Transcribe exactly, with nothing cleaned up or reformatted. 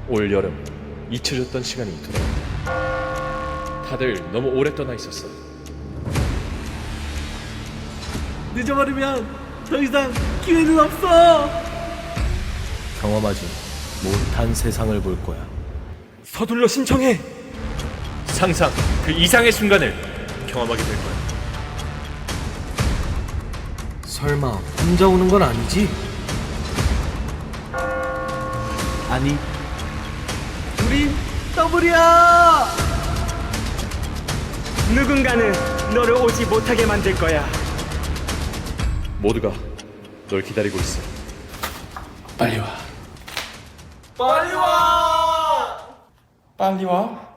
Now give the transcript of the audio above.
올 여름 잊혀졌던 시간이 돌아온다. 다들 너무 오래 떠나 있었어. 늦어버리면 더 이상 기회는 없어. 경험하지 못한 세상을 볼 거야. 서둘러 신청해. 상상 그 이상의 순간을 경험하게 될 거야. 설마 혼자 오는 건 아니지? 아니, 우린 더블이야. 누군가는 너를 오지 못하게 만들 거야. 모두가 널 기다리고 있어. 빨리 와. 빨리 와. 빨리 와.